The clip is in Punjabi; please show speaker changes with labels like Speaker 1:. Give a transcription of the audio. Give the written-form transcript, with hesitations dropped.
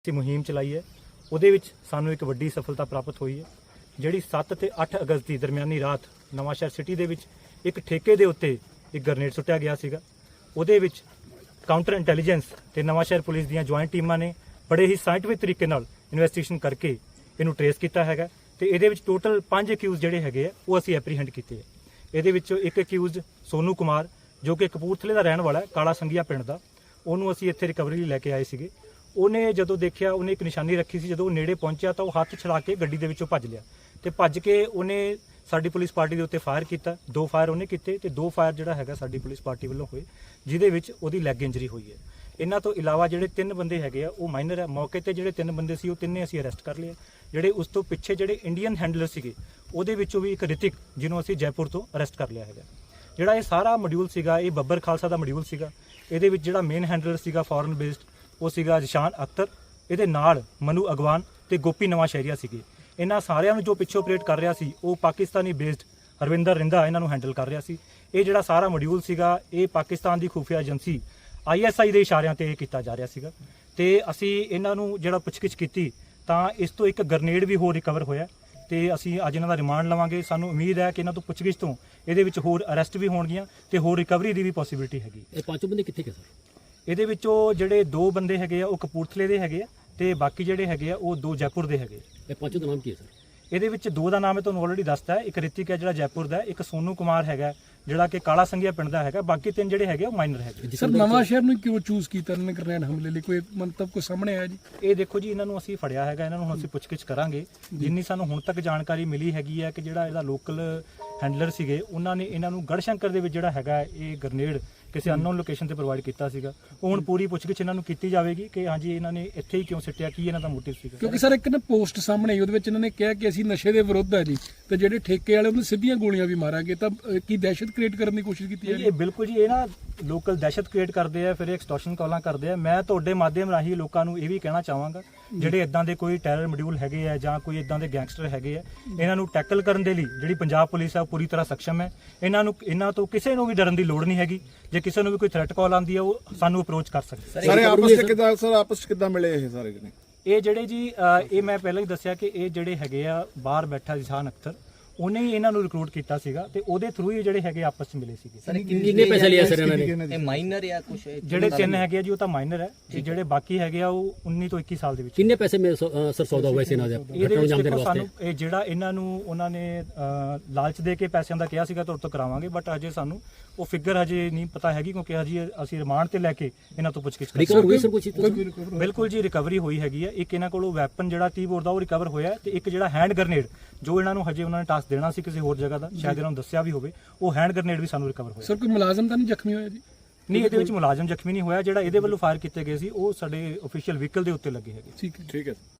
Speaker 1: ਅਸੀਂ ਮੁਹਿੰਮ ਚਲਾਈ ਹੈ। ਉਹਦੇ ਵਿੱਚ ਸਾਨੂੰ ਇੱਕ ਵੱਡੀ ਸਫਲਤਾ ਪ੍ਰਾਪਤ ਹੋਈ ਹੈ, ਜਿਹੜੀ 7 ਤੇ 8 ਅਗਸਤ ਦੀ ਦਰਮਿਆਨੀ ਰਾਤ ਨਵਾਂਸ਼ਹਿਰ ਸਿਟੀ ਦੇ ਵਿੱਚ ਇੱਕ ਠੇਕੇ ਦੇ ਉੱਤੇ ਇੱਕ ਗ੍ਰਨੇਡ ਸੁੱਟਿਆ ਗਿਆ ਸੀਗਾ। ਉਹਦੇ ਵਿੱਚ ਕਾਊਂਟਰ ਇੰਟੈਲੀਜੈਂਸ ਤੇ ਨਵਾਂਸ਼ਹਿਰ ਪੁਲਿਸ ਦੀਆਂ ਜੁਆਇੰਟ ਟੀਮਾਂ ਨੇ ਬੜੇ ਹੀ ਸਾਇੰਟਿਫਿਕ ਤਰੀਕੇ ਨਾਲ ਇਨਵੈਸਟੀਗੇਸ਼ਨ ਕਰਕੇ ਇਹਨੂੰ ਟ੍ਰੇਸ ਕੀਤਾ ਹੈਗਾ ਤੇ ਇਹਦੇ ਵਿੱਚ ਟੋਟਲ 5 ਅਕਿਊਜ਼ ਜਿਹੜੇ ਹੈਗੇ ਆ ਉਹ ਅਸੀਂ ਐਪਰੀਹੈਂਡ ਕੀਤੇ ਆ। ਇਹਦੇ ਵਿੱਚੋਂ ਇੱਕ ਅਕਿਊਜ਼ ਸੋਨੂ ਕੁਮਾਰ ਜੋ ਕਿ ਕਪੂਰਥਲੇ ਦਾ ਰਹਿਣ ਵਾਲਾ ਹੈ, ਕਾਲਾ ਸੰਘੀਆ ਪਿੰਡ ਦਾ, ਉਹਨੂੰ ਅਸੀਂ ਇੱਥੇ ਰਿਕਵਰੀ ਲਈ ਲੈ ਕੇ ਆਏ ਸੀਗੇ। ਉਹਨੇ ਜਦੋਂ ਦੇਖਿਆ, ਉਹਨੇ ਇੱਕ ਨਿਸ਼ਾਨੀ ਰੱਖੀ ਸੀ, ਜਦੋਂ ਉਹ ਨੇੜੇ ਪਹੁੰਚਿਆ ਤਾਂ ਉਹ ਹੱਥ ਛੜਾ ਕੇ ਗੱਡੀ ਦੇ ਵਿੱਚੋਂ ਭੱਜ ਲਿਆ ਤੇ ਭੱਜ ਕੇ ਉਹਨੇ ਸਾਡੀ ਪੁਲਿਸ ਪਾਰਟੀ ਦੇ ਉੱਤੇ ਫਾਇਰ ਕੀਤਾ। 2 ਫਾਇਰ ਉਹਨੇ ਕੀਤੇ ਤੇ 2 ਫਾਇਰ ਜਿਹੜਾ ਹੈਗਾ ਸਾਡੀ ਪੁਲਿਸ ਪਾਰਟੀ ਵੱਲੋਂ ਹੋਏ, ਜਿਹਦੇ ਵਿੱਚ ਉਹਦੀ ਲੈਗ ਇੰਜਰੀ ਹੋਈ ਹੈ। ਇਹਨਾਂ ਤੋਂ ਇਲਾਵਾ ਜਿਹੜੇ 3 ਬੰਦੇ ਹੈਗੇ ਆ ਉਹ ਮਾਈਨਰ ਹੈ। ਮੌਕੇ ਤੇ ਜਿਹੜੇ 3 ਬੰਦੇ ਸੀ ਉਹ ਤਿੰਨੇ ਅਸੀਂ ਅਰੈਸਟ ਕਰ ਲਏ। ਜਿਹੜੇ ਉਸ ਤੋਂ ਪਿੱਛੇ ਜਿਹੜੇ ਇੰਡੀਅਨ ਹੈਂਡਲਰ ਸੀਗੇ ਉਹਦੇ ਵਿੱਚੋਂ ਵੀ ਇੱਕ ਰਿਤਿਕ, ਜਿਹਨੂੰ ਅਸੀਂ ਜੈਪੁਰ ਤੋਂ ਅਰੈਸਟ ਕਰ ਲਿਆ ਹੈਗਾ। ਜਿਹੜਾ ਇਹ ਸਾਰਾ ਮੋਡਿਊਲ ਸੀਗਾ ਇਹ ਬੱਬਰ ਖਾਲਸਾ ਦਾ ਮੋਡਿਊਲ ਸੀਗਾ। ਇਹਦੇ ਵਿੱਚ ਜਿਹੜਾ ਮੇਨ ਹੈਂਡਲਰ ਸੀਗਾ ਫੋਰਨ ਬੇਸਡ ਉਹ ਸੀਗਾ ਜਿਸ਼ਾਨ ਅਖਤਰ, ਇਹਦੇ ਨਾਲ ਮਨੂ ਅਗਵਾਨ ਤੇ ਗੋਪੀ ਨਵਾਂਸ਼ਹਿਰੀਆ ਸੀਗੇ। ਇਹਨਾਂ ਸਾਰਿਆਂ ਨੂੰ ਜੋ ਪਿੱਛੇ ਆਪਰੇਟ ਕਰ ਰਿਹਾ ਸੀ ਉਹ ਪਾਕਿਸਤਾਨੀ ਬੇਸਡ ਹਰਵਿੰਦਰ ਰਿੰਦਾ ਇਹਨਾਂ ਨੂੰ ਹੈਂਡਲ ਕਰ ਰਿਹਾ ਸੀ। ਇਹ ਜਿਹੜਾ ਸਾਰਾ ਮੋਡਿਊਲ ਸੀਗਾ ਇਹ ਪਾਕਿਸਤਾਨ ਦੀ ਖੁਫੀਆ ਏਜੰਸੀ ISI ਦੇ ਇਸ਼ਾਰਿਆਂ ਤੇ ਇਹ ਕੀਤਾ ਜਾ ਰਿਹਾ ਸੀਗਾ ਤੇ ਅਸੀਂ ਇਹਨਾਂ ਨੂੰ ਜਿਹੜਾ ਪੁੱਛਗਿੱਛ ਕੀਤੀ ਤਾਂ ਇਸ ਤੋਂ ਇੱਕ ਗ੍ਰਨੇਡ ਵੀ ਹੋਰ ਰਿਕਵਰ ਹੋਇਆ ਤੇ ਅਸੀਂ ਅੱਜ ਇਹਨਾਂ ਦਾ ਰਿਮਾਂਡ ਲਵਾਂਗੇ। ਸਾਨੂੰ ਉਮੀਦ ਹੈ ਕਿ ਇਹਨਾਂ ਤੋਂ ਪੁੱਛਗਿੱਛ ਤੋਂ ਇਹਦੇ ਵਿੱਚ ਹੋਰ ਅਰੈਸਟ ਵੀ ਹੋਣਗੀਆਂ ਤੇ ਹੋਰ ਰਿਕਵਰੀ ਦੀ ਵੀ ਪੋਸੀਬਿਲਿਟੀ ਹੈਗੀ।
Speaker 2: ਇਹ 5 ਬੰਦੇ ਕਿੱਥੇ ਗਏ ਸਰ?
Speaker 1: ਇਹਦੇ ਵਿੱਚੋਂ ਜਿਹੜੇ 2 ਬੰਦੇ ਹੈਗੇ ਆ ਉਹ ਕਪੂਰਥਲੇ ਦੇ ਹੈਗੇ ਆ ਤੇ ਬਾਕੀ ਜਿਹੜੇ ਹੈਗੇ ਆ ਉਹ 2 ਜੈਪੁਰ ਦੇ ਹੈਗੇ।
Speaker 2: ਇਹ 5 ਦਾ ਨਾਮ ਕੀ ਹੈ ਸਰ?
Speaker 1: ਇਹਦੇ ਵਿੱਚ 2 ਦਾ ਨਾਮ ਮੈਂ ਤੁਹਾਨੂੰ ਆਲਰੇਡੀ ਦੱਸਤਾ ਹੈ। ਇੱਕ ਰਿਤਿਕ ਹੈ ਜਿਹੜਾ ਜੈਪੁਰ ਦਾ, ਇੱਕ ਸੋਨੂ ਕੁਮਾਰ ਹੈਗਾ ਜਿਹੜਾ ਕਿ ਕਾਲਾ ਸੰਘੀਆ ਪਿੰਡ ਦਾ ਹੈਗਾ। ਬਾਕੀ 3 ਜਿਹੜੇ ਹੈਗੇ ਉਹ ਮਾਈਨਰ ਹੈਗੇ।
Speaker 3: ਸਰ ਨਵਾਂਸ਼ਹਿਰ ਨੂੰ ਕਿਉਂ ਚੂਜ਼ ਕੀਤਾ ਇਹਨਾਂ ਨੇ ਗ੍ਰਨੇਡ ਹਮਲੇ ਲਈ? ਕੋਈ ਮੰਤਵ ਕੋਈ ਸਾਹਮਣੇ ਆਇਆ ਜੀ?
Speaker 1: ਇਹ ਦੇਖੋ ਜੀ, ਇਹਨਾਂ ਨੂੰ ਅਸੀਂ ਫੜਿਆ ਹੈਗਾ, ਇਹਨਾਂ ਨੂੰ ਹੁਣ ਅਸੀਂ ਪੁੱਛਗਿੱਛ ਕਰਾਂਗੇ। ਜਿੰਨੀ ਸਾਨੂੰ ਹੁਣ ਤੱਕ ਜਾਣਕਾਰੀ ਮਿਲੀ ਹੈਗੀ ਹੈ ਕਿ ਜਿਹੜਾ ਇਹਦਾ ਲੋਕਲ ਹੈਂਡਲਰ ਸੀਗੇ ਉਹਨਾਂ ਨੇ ਇਹਨਾਂ ਨੂੰ ਗੜਸ਼ੰਕਰ ਦੇ ਵਿੱਚ ਜਿਹੜਾ ਹੈਗਾ ਇਹ ਗ੍ਰਨੇਡ ਕਿਸੇ ਅਨਨੋਨ ਲੋਕੇਸ਼ਨ ਤੇ ਪ੍ਰੋਵਾਈਡ ਕੀਤਾ ਸੀਗਾ। ਉਹ ਹੁਣ ਪੂਰੀ ਪੁੱਛਗਿੱਛ ਇਹਨਾਂ ਨੂੰ ਕੀਤੀ ਜਾਵੇਗੀ ਕਿ ਹਾਂਜੀ ਇਹਨਾਂ ਨੇ ਇੱਥੇ ਹੀ ਕਿਉਂ ਸਿੱਟਿਆ, ਕੀ ਇਹਨਾਂ ਦਾ ਮੋਟਿਵ ਸੀਗਾ।
Speaker 3: ਕਿਉਂਕਿ ਸਰ ਇੱਕ ਨਾ ਪੋਸਟ ਸਾਹਮਣੇ ਆਈ, ਉਹਦੇ ਵਿੱਚ ਇਹਨਾਂ ਨੇ ਕਿਹਾ ਕਿ ਅਸੀਂ ਨਸ਼ੇ ਦੇ ਵਿਰੁੱਧ ਹੈ ਜੀ ਤੇ ਜਿਹੜੇ ਠੇਕੇ ਵਾਲੇ ਉਹਨੂੰ ਸਿੱਧੀਆਂ ਗੋਲੀਆਂ ਵੀ ਮਾਰਾਂਗੇ, ਤਾਂ ਕੀ ਦਹਿਸ਼ਤ ਕ੍ਰੀਏਟ ਕਰਨ ਦੀ ਕੋਸ਼ਿਸ਼ ਕੀਤੀ
Speaker 1: ਇਹ ਬਿਲਕੁਲ ਜੀ, ਇਹ ਨਾ ਲੋਕਲ ਦਹਿਸ਼ਤ ਕ੍ਰੀਏਟ ਕਰਦੇ ਆ, ਫਿਰ ਐਕਸਟੋਰਸ਼ਨ ਕਾਲਾਂ ਕਰਦੇ ਆ। ਮੈਂ ਤੁਹਾਡੇ ਮਾਧਿਅਮ ਰਾਹੀਂ ਲੋਕਾਂ ਨੂੰ ਇਹ ਵੀ ਕਹਿਣਾ ਚਾਹਾਂਗਾ ਜਿਹੜੇ ਇਦਾਂ ਦੇ ਕੋਈ ਟੈਰਰ ਮੋਡਿਊਲ ਹੈਗੇ ਆ ਜਾਂ ਕੋਈ ਇਦਾਂ ਦੇ ਗੈਂਗਸਟਰ ਹੈਗੇ ਆ, ਇਹਨਾਂ ਨੂੰ ਟੈਕਲ ਕਰਨ ਦੇ ਲਈ ਜਿਹੜੀ ਪੰਜਾਬ ਪੁਲਿਸ ਆ ਉਹ ਪੂਰੀ ਤਰ੍ਹਾਂ ਸક્ષਮ ਹੈ। ਇਹਨਾਂ ਤੋਂ ਕਿਸੇ ਨੂੰ ਵੀ ਡਰਨ ਦੀ ਲੋੜ ਨਹੀਂ ਹੈਗੀ। ਜੇ ਕਿਸੇ ਨੂੰ ਵੀ ਕੋਈ ਥ੍ਰੈਟ ਕਾਲ ਆਉਂਦੀ ਹੈ ਉਹ ਸਾਨੂੰ ਅਪਰੋਚ ਕਰ ਸਕਦੇ।
Speaker 4: ਸਾਰੇ ਆਪਸ ਚ ਕਿੱਦਾਂ ਮਿਲੇ ਇਹ ਸਾਰੇ ਜਣੇ?
Speaker 1: ਇਹ ਜਿਹੜੇ ਜੀ ਇਹ ਮੈਂ ਪਹਿਲਾਂ ਹੀ ਦੱਸਿਆ ਕਿ ਇਹ ਜਿਹੜੇ ਹੈਗੇ ਆ ਬਾਹਰ ਬੈਠਾ ਜਿਸ਼ਾਨ ਅਖਤਰ, ਉਹਨੇ ਹੀ ਇਹਨਾਂ ਨੂੰ ਰਿਕਰੂਟ ਕੀਤਾ ਸੀਗਾ ਤੇ ਉਹਦੇ ਥਰੂ ਹੀ ਜਿਹੜੇ ਹੈਗੇ ਆਪਸ ਵਿੱਚ ਮਿਲੇ ਸੀਗੇ।
Speaker 2: ਸਰ ਕਿੰਨੇ ਪੈਸੇ ਲਿਆ ਸਰ ਇਹਨਾਂ ਨੇ?
Speaker 5: ਇਹ ਮਾਈਨਰ ਜਾਂ ਕੁਝ?
Speaker 1: ਜਿਹੜੇ 3 ਹੈਗੇ ਆ ਜੀ ਉਹ ਤਾਂ ਮਾਈਨਰ ਹੈ ਤੇ ਜਿਹੜੇ ਬਾਕੀ ਹੈਗੇ ਆ ਉਹ 19 ਤੋਂ 21 ਸਾਲ ਦੇ ਵਿੱਚ।
Speaker 2: ਕਿੰਨੇ ਪੈਸੇ ਮੇ ਸਰ ਸੌਦਾ ਹੋਇਆ ਸੀ ਇਹਨਾਂ ਦਾ ਘਟਨਾ ਅੰਜਾਮ ਦੇਣ ਵਾਸਤੇ?
Speaker 1: ਇਹ ਜਿਹੜਾ ਇਹਨਾਂ ਨੂੰ ਉਹਨਾਂ ਨੇ ਲਾਲਚ ਦੇ ਕੇ ਪੈਸਿਆਂ ਦਾ ਕਿਹਾ ਸੀਗਾ ਤੁਹਾਡੇ ਤੋਂ ਕਰਾਵਾਂਗੇ, ਬਟ ਅਜੇ ਸਾਨੂੰ ਉਹ ਫਿਗਰ ਹਜੇ ਨਹੀਂ ਪਤਾ ਹੈਗੀ ਕਿਉਂਕਿ ਹਜੇ ਅਸੀਂ ਰਿਮਾਂਡ ਤੇ ਲੈ ਕੇ ਇਹਨਾਂ ਤੋਂ ਪੁੱਛਗਿੱਛ ਕਰ ਰਹੇ ਹਾਂ।
Speaker 2: ਰਿਕਵਰ ਹੋਈ ਸਰ ਕੁਝ?
Speaker 1: ਬਿਲਕੁਲ ਜੀ, ਰਿਕਵਰੀ ਹੋਈ ਹੈਗੀ ਹੈ। ਇੱਕ ਇਹਨਾਂ ਕੋਲੋਂ ਵੈਪਨ ਜਿਹੜਾ 30 ਬੋਰ ਦਾ ਉਹ ਰਿਕਵਰ ਹੋਇਆ ਤੇ ਇੱਕ ਜਿਹੜਾ ਹੈਂਡ ਗ੍ਰਨੇਡ ਜੋ ਇਹਨਾਂ ਨੂੰ ਹਜੇ ਉਹਨਾਂ ਨੇ ਟਾਸਕ ਦੇਣਾ ਸੀ ਕਿਸੇ ਹੋਰ ਜਗ੍ਹਾ ਦਾ, ਸ਼ਾਇਦ ਇਹਨਾਂ ਨੂੰ ਦੱਸਿਆ ਵੀ ਹੋਵੇ, ਉਹ ਹੈਂਡ ਗ੍ਰਨੇਡ ਵੀ ਸਾਨੂੰ ਰਿਕਵਰ ਹੋਇਆ।
Speaker 3: ਸਰ ਕੋਈ ਮੁਲਾਜ਼ਮ ਤਾਂ ਨਹੀਂ ਜ਼ਖਮੀ ਹੋਇਆ ਜੀ?
Speaker 1: ਨਹੀਂ, ਇਹਦੇ ਵਿੱਚ ਮੁਲਾਜ਼ਮ ਜ਼ਖਮੀ ਨਹੀਂ ਹੋਇਆ। ਜਿਹੜਾ ਇਹਦੇ ਵੱਲੋਂ ਫਾਇਰ ਕੀਤੇ ਗਏ ਸੀ ਉਹ ਸਾਡੇ ਅਫੀਸ਼ੀਅਲ ਵਹੀਕਲ ਦੇ ਉੱਤੇ ਲੱਗੇ ਹੈਗੇ।
Speaker 3: ਠੀਕ ਹੈ।